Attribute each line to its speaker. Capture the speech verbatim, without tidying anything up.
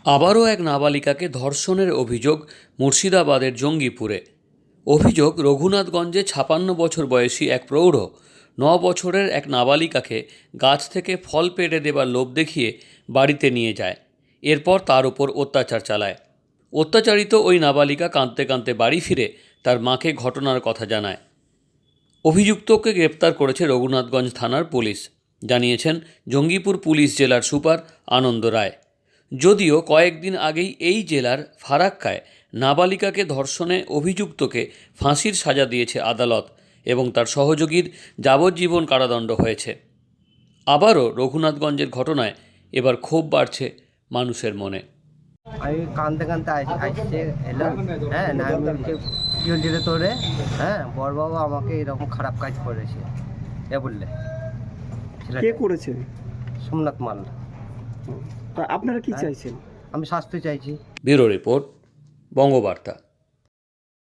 Speaker 1: আবারও এক নাবালিকাকে ধর্ষণের অভিযোগ মুর্শিদাবাদের জঙ্গিপুরে। অভিযোগ, রঘুনাথগঞ্জে ছাপান্ন বছর বয়সী এক প্রৌঢ় ন বছরের এক নাবালিকাকে গাছ থেকে ফল পেড়ে দেবার লোভ দেখিয়ে বাড়িতে নিয়ে যায়। এরপর তার উপর অত্যাচার চালায়। অত্যাচারিত ওই নাবালিকা কাঁদতে কাঁদতে বাড়ি ফিরে তার মাকে ঘটনার কথা জানায়। অভিযুক্তকে গ্রেপ্তার করেছে রঘুনাথগঞ্জ থানার পুলিশ, জানিয়েছেন জঙ্গিপুর পুলিশ জেলার সুপার আনন্দ রায়। যদিও কয়েকদিন আগেই এই জেলার ফারাক্কায় নাবালিকাকে ধর্ষণে অভিযুক্তকে ফাঁসির সাজা দিয়েছে আদালত এবং তার সহযোগীর যাবজ্জীবন কারাদণ্ড হয়েছে। আবারও রঘুনাথগঞ্জের ঘটনায় এবার ক্ষোভ বাড়ছে মানুষের মনে।
Speaker 2: আমি কাঁদতে কাঁদতে আসছে এলো, হ্যাঁ না আমি বলছি কী হয়েছিল তোরে, হ্যাঁ বড় বাবা আমাকে এরকম খারাপ কাজ করেছে এ বললে।
Speaker 3: কে করেছে?
Speaker 2: সোমনাথ মাল।
Speaker 3: তা আপনারা কি চাইছেন?
Speaker 2: আমি শাস্তি চাইছি।
Speaker 1: Bureau report, Bangabarta.